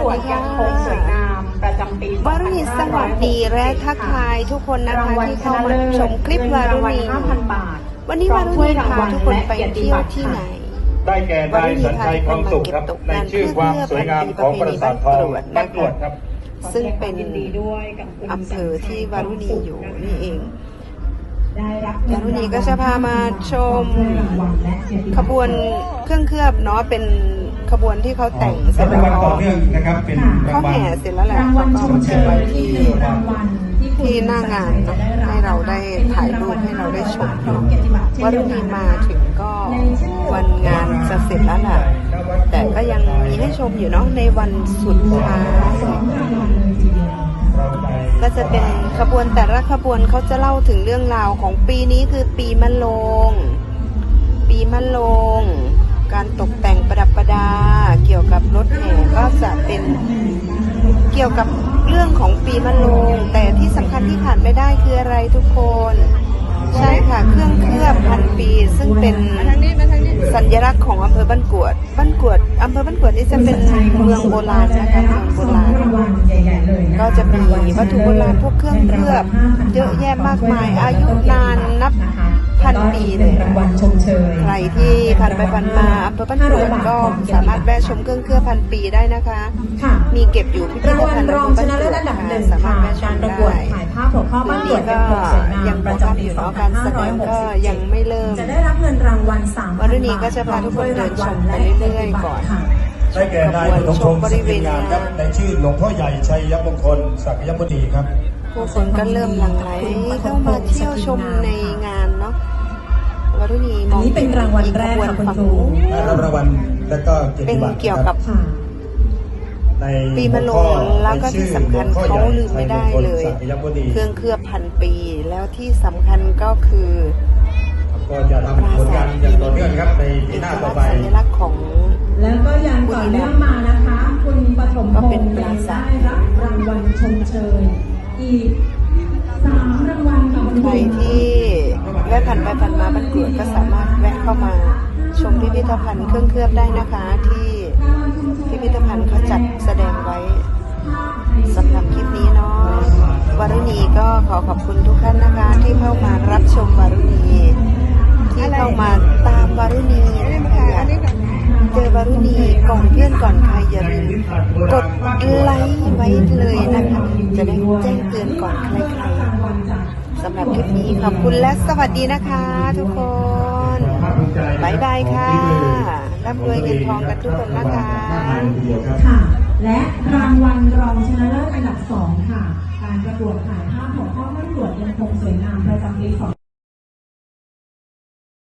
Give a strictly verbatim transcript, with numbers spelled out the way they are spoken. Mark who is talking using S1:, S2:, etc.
S1: วดยังคงสวยงามประจำปี
S2: วารุณีสวัสดีและทักทายทุกคนนะคะที่เข้ามาชมคลิปวารุณีวันนี้วารุณีพาทุกคนไปเที่ยวที่ไหน
S3: ได้แก่นายสัญชัยคองสุขครับในชื่อความสวยงามของปราสาททองบ้านกรวดครับ
S2: ซึ่งเป็นอำเภอที่วารุณีอยู่นี่เองวารุณีก็จะพามาชมขบวนเครื่องเคลือบเนาะเป็นขบวนที่เขาแต่งเสร็จแล้วก็เขาแห่เสร็จแล้วแหละแล้วก็มาเก็บไว้ที่ที่หน้างานให้เราได้ถ่ายรูปให้เราได้ชมวารุณีมาถึงก็วันงานจะเสร็จแล้วแหละแต่ก็ยังมีให้ชมอยู่เนาะในวันสุดท้ายก็จะเป็นขบวนแต่ละขบวนเขาจะเล่าถึงเรื่องราวของปีนี้คือปีมะโรงปีมะโรงการตกแต่งประดับประดาเกี่ยวกับรถแห่ก็จะเป็นเกี่ยวกับเรื่องของปีมะโรงแต่ที่สำคัญที่ขาดไม่ได้คืออะไรทุกคนใช่ค่ะเครื่องเคลือบพันปีซึ่งเป็นสัญลักษณ์ของอำเภอบ้านกรวดบ้านกรวดอำเภอบ้านกรวดนี่จะเป็นเมืองโบราณนะคะเมืองโบราณก็จะมีวัตถุโบราณพวกเครื่องเคลือบเยอะแยะมากมายอายุนานนับพันปีเลยใครที่ผ่านไปผ่านมาอำเภอบ้านกรวดก็สามารถแวะชมเครื่องเคลือบพันปีได้นะคะมีเก็บอยู่พิพิธภัณฑ์อำเภอบ้านกรวดค่ะสามารถแวะชมได้
S4: ถ่ายภาพหัวข้อบ้านกรวดยังคงสวยงามประจำปีสองพันห้าร้อยหกสิบเจ็ดจะได้รับเงินรางวัลสามพันบาท
S2: วารุณีก็จะพาทุกคนเดินชมไปเรื่อยๆก่อน
S3: ได้แก่นายหลวงพงศ์บริเวณงานครับในชื่อหลวงพ่อใหญ่ชัยมงคลศักยมุนีครับ
S2: ผู้คนก็เริ่มหลั่งไหลเข้ามาเที่ยวชมในงานเนาะวารุณีมอง
S4: นี้เป็นรางวัลแรกค่ะคุณครู
S3: ได้รับรางวัลแล้วก็เกียรติบัตร
S2: เป็นเกี่ยวกับปีมะโรงแล้วก็ที่สำคัญเขาลืมไม่ได้เลยเครื่องเคลือบพันปีแล้วที่สำคัญก็คือ
S3: ก็จะทำผลงานอย่างต่อเนื่องครับในปีหน้าต่อไป
S2: สัญลักษณ์ของ
S4: แล้วก็ยังต่อเนื่องมานะคะคุณปฐมพงศ์ได้รับรางวัลชมเชยอีกสามรางวัลค่ะ
S2: ใครที่แวะผ่านไปผ่านมาบ้านกรวดก็สามารถแวะเข้ามาชมพิพิธภัณฑ์เครื่องเคลือบได้นะคะที่พิพิธภัณฑ์เขาจัดแสดงไว้สำหรับคลิปนี้เนาะวารุณีก็ขอขอบคุณทุกท่านนะคะที่เข้ามารับชมวารุณีที่เข้ามาตามวารุณีนะคะเจอวารุณีก่อนเพื่อนก่อนใครอย่าลืมกดไลค์ไว้เลยนะคะจะได้แจ้งเตือนก่อนใครๆสำหรับคลิปนี้ขอบคุณและสวัสดีนะคะทุกคนบายบายค่ะร่ำรวยเงินทองกันทุกคนนะคะ
S4: ค่ะและรางวัลรองชนะเลิศอันดับสองค่ะการประกวดถ่ายภาพหัวข้อบ้านกรวดยังคงสวยงามประจำปีสอง